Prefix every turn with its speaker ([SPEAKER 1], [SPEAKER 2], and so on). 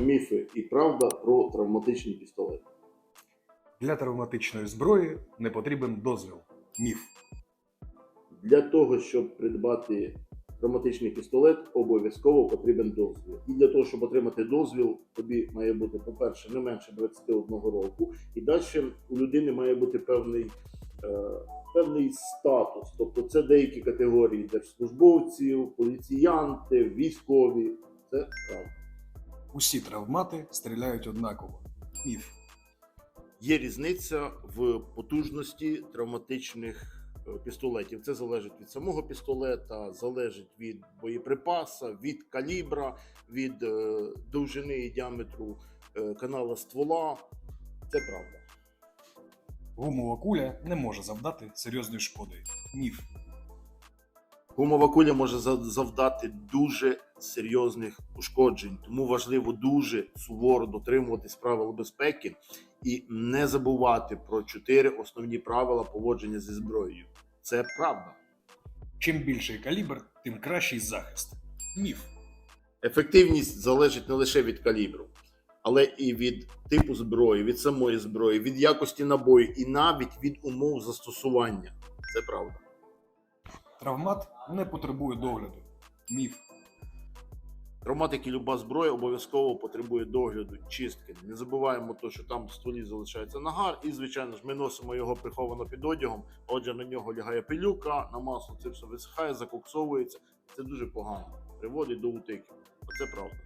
[SPEAKER 1] Міфи і правда про травматичний пістолет.
[SPEAKER 2] Для травматичної зброї не потрібен дозвіл. Міф.
[SPEAKER 1] Для того, щоб придбати травматичний пістолет, обов'язково потрібен дозвіл. І для того, щоб отримати дозвіл, тобі має бути, по-перше, не менше 21 року. І далі у людини має бути певний статус. Тобто це деякі категорії держслужбовців, поліціянти, військові. Це правда.
[SPEAKER 2] Усі травмати стріляють однаково. Міф.
[SPEAKER 1] Є різниця в потужності травматичних пістолетів. Це залежить від самого пістолета, залежить від боєприпаса, від калібра, від довжини і діаметру канала ствола. Це правда.
[SPEAKER 2] Гумова куля не може завдати серйозної шкоди. Міф.
[SPEAKER 1] Гумова куля може завдати дуже серйозних ушкоджень, тому важливо дуже суворо дотримуватись правил безпеки і не забувати про 4 основні правила поводження зі зброєю. Це правда.
[SPEAKER 2] Чим більший калібр, тим кращий захист. Міф.
[SPEAKER 1] Ефективність залежить не лише від калібру, але і від типу зброї, від самої зброї, від якості набою і навіть від умов застосування. Це правда.
[SPEAKER 2] Травмат не потребує догляду. Міф.
[SPEAKER 1] Травмат, як і люба зброя, обов'язково потребує догляду, чистки. Не забуваємо те, що там в стволі залишається нагар, і, звичайно ж, ми носимо його приховано під одягом, отже, на нього лягає пилюка, на масло це все висихає, закоксовується. Це дуже погано, приводить до утиків. Це правда.